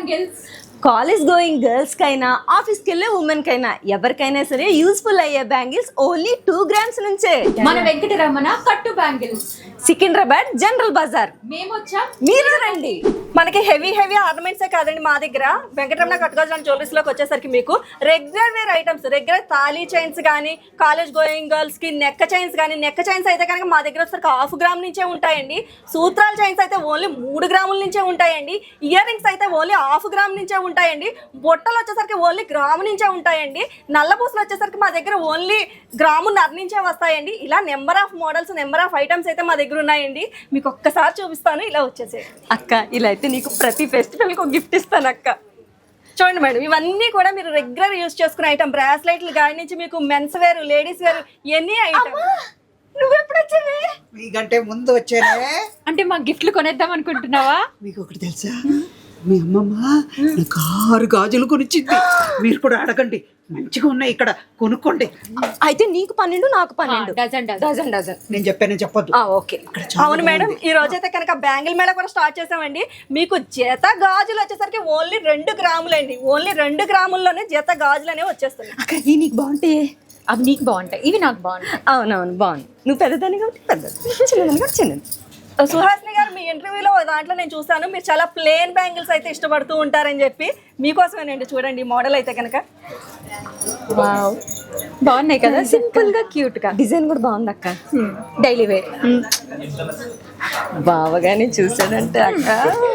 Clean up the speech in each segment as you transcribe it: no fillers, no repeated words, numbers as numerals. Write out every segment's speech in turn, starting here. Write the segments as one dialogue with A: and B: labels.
A: Bangles
B: college going girls కైనా ఆఫీస్కి వెళ్ళే ఉమెన్ కైనా ఎవరికైనా సరే యూస్ఫుల్ అయ్యే బ్యాంగిల్స్ ఓన్లీ 2 grams నుంచే.
A: మన వెంకటరమణ కట్టు బ్యాంగిల్స్
B: సికింద్రాబాద్ జనరల్ బజార్.
A: మేము వచ్చాం,
B: మీరు రండి. మనకి హెవీ ఆర్నమెంట్సే కాదండి, మా దగ్గర వెంకటరమణ కట్టుకోవాల్సిన జ్యువెలరీస్లోకి వచ్చేసరికి మీకు రెగ్యులర్ వేర్ ఐటమ్స్, రెగ్యులర్ తాళీ చైన్స్ కానీ, కాలేజ్ గోయింగ్ గర్ల్స్ కి నెక్ చైన్స్ కానీ, నెక్ చైన్స్ అయితే కనుక మా దగ్గర వచ్చేసరికి 1/2 gram నుంచే ఉంటాయండి. సూత్రాల చైన్స్ అయితే ఓన్లీ 3 grams నుంచే ఉంటాయండి. ఇయర్ రింగ్స్ అయితే ఓన్లీ 1/2 gram నుంచే ఉంటాయండి. బొట్టలు వచ్చేసరికి ఓన్లీ గ్రాము నుంచే ఉంటాయండి. నల్లపూసలు వచ్చేసరికి మా దగ్గర ఓన్లీ 1.5 grams నుంచే వస్తాయండి. ఇలా number of models, number of items అయితే మా దగ్గర ఉన్నాయండి. మీకు ఒక్కసారి చూపిస్తాను, ఇలా వచ్చేసే అక్క. ఇలా అయితే నీకు ప్రతి ఫెస్టివల్కి ఒక గిఫ్ట్ ఇస్తాను అక్క. చూడండి మేడం, ఇవన్నీ కూడా మీరు రెగ్యులర్ యూజ్ చేసుకునే ఐటమ్. బ్రాస్లైట్లు గాడి నుంచి మీకు మెన్స్ వేర్, లేడీస్ వేర్, ఎన్ని ఐటమ్. నువ్వు ఎప్పుడు వచ్చావే?
C: మీకంటే ముందు వచ్చానే.
A: అంటే మా గిఫ్ట్లు కొనేద్దాం అనుకుంటున్నావా?
C: మీకు ఒకటి తెలుసా, మీ అమ్మమ్మ నాకు 6 గాజులు కొనిచ్చింది. మీరు కూడా అడగండి, మంచిగా ఉన్నాయి ఇక్కడ, కొనుక్కోండి.
B: అయితే నీకు 12, నాకు 12.
A: డజన్.
C: నేను చెప్పాను, చెప్పొద్దు.
B: ఓకే. అవును మేడం, ఈ రోజైతే కనుక బ్యాంగిల్ మేళ కూడా స్టార్ట్ చేసామండి. మీకు జత గాజులు వచ్చేసరికి ఓన్లీ 2 grams అండి. ఓన్లీ 2 grams జత గాజులు అనేవి వచ్చేస్తాయి.
A: అక్క ఇవి నీకు బాగుంటాయి, అవి నీకు బాగుంటాయి, ఇవి నాకు బాగుంటాయి.
B: అవునవును, బాగుంది. నువ్వు పెద్దదాన్ని కాబట్టి పెద్దది, చిన్నదాన్ని కాబట్టి చిన్నది. సుహాసిని గారు, మీ ఇంటర్వ్యూలో దాంట్లో నేను చూసాను, మీరు చాలా ప్లేన్ బ్యాంగిల్స్ అయితే ఇష్టపడుతూ ఉంటారని చెప్పి. మీకోసమేనండి, చూడండి ఈ మోడల్ అయితే కనుక.
A: వావ్, బాగున్నాయి కదా, సింపుల్ గా క్యూట్ గా.
B: డిజైన్ కూడా బాగుంది అక్క.
A: Daily wear.
B: బావగానే చూసాడంటే అక్క.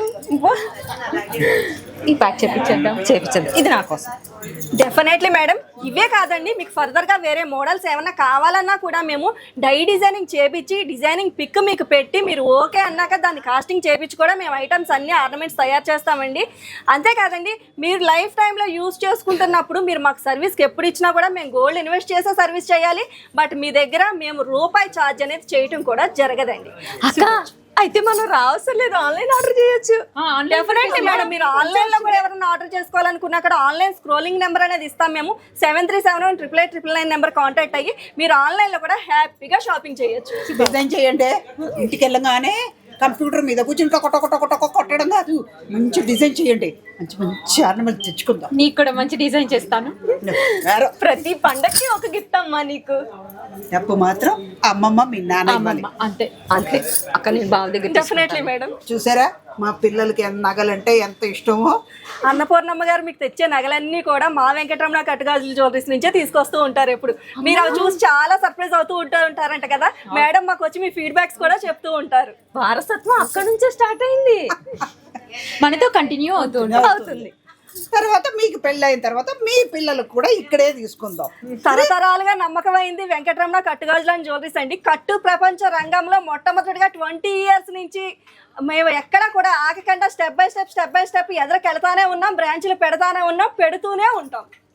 A: ఈ ప్యాక్ చేపించేద్దాం.
B: ఇది నా కోసం. Definitely madam. ఇవే కాదండి, మీకు ఫర్దర్గా వేరే మోడల్స్ ఏమన్నా కావాలన్నా కూడా మేము డై డిజైనింగ్ చేపించి, డిజైనింగ్ పిక్ మీకు పెట్టి, మీరు ఓకే అన్నాక దాన్ని కాస్టింగ్ చేపించి కూడా మేము ఐటమ్స్ అన్ని ఆర్నమెంట్స్ తయారు చేస్తామండి. అంతేకాదండి, మీరు లైఫ్ టైంలో యూజ్ చేసుకుంటున్నప్పుడు మీరు మాకు సర్వీస్కి ఎప్పుడు ఇచ్చినా కూడా మేము గోల్డ్ ఇన్వెస్ట్ చేసే సర్వీస్ చేయాలి. బట్ మీ దగ్గర మేము రూపాయి ఛార్జ్ అనేది చేయటం కూడా జరగదండి అక్క. అయితే మనం రావసరం లేదు, ఆన్లైన్ ఆర్డర్ చేయొచ్చు. డెఫినెట్లీ మేడం, మీరు ఆన్లైన్ లో కూడా ఎవరైనా ఆర్డర్ చేసుకోవాలనుకున్నా అక్కడ ఆన్లైన్ స్క్రోలింగ్ నెంబర్ అనేది ఇస్తాం మేము. 73718899 నెంబర్ కాంటాక్ట్ అయ్యి మీరు ఆన్లైన్ లో కూడా హ్యాపీగా షాపింగ్ చేయొచ్చు.
C: డిజైన్ చేయండి. ఇంటికి వెళ్ళగానే కంప్యూటర్ మీద కూర్చుని కొట్టడం కాదు, మంచి డిజైన్ చేయండి. మంచి ఆర్నమెంట్ తెచ్చుకుందాం.
A: నీకు కూడా మంచి డిజైన్ చేస్తాను.
B: ప్రతి పండక్కి ఒక గిఫ్ట్ అమ్మా నీకు.
C: డబ్బు మాత్రం అమ్మమ్మ, మీ నాన్న.
A: అంతే
B: అక్క, నేను బావ దగ్గర. Definitely madam.
C: చూసారా మా పిల్లలకి నగలంటే ఎంత ఇష్టమో.
B: అన్నపూర్ణమ్మ గారు మీకు తెచ్చే నగలన్నీ కూడా మా వెంకటరమణ కట్టుగాజుల జ్యువెలరీస్ నుంచే తీసుకొస్తూ ఉంటారు. ఎప్పుడు మీరు అవి చూసి చాలా సర్ప్రైజ్ అవుతూ ఉంటారంట కదా మేడం. మాకు వచ్చి మీ ఫీడ్బ్యాక్స్ కూడా చెప్తూ ఉంటారు. వారసత్వం అక్కడ నుంచే స్టార్ట్ అయింది,
A: మనతో కంటిన్యూ అవుతుంది.
C: తర్వాత మీకు పెళ్ళైన తర్వాత మీ పిల్లలకు కూడా ఇక్కడే తీసుకుందాం.
B: తరతరాలుగా నమ్మకమైంది వెంకటరమణ కట్టుగాజుల జ్యువెలరీస్ అండి. కట్టు ప్రపంచ రంగంలో మొట్టమొదటిగా 20 years నుంచి మేము ఎక్కడ కూడా ఆగకుండా స్టెప్ బై స్టెప్ ఎదరికెళ్తానే ఉన్నాం. బ్రాంచ్లు పెడతానే ఉన్నాం, పెడుతూనే ఉంటాం.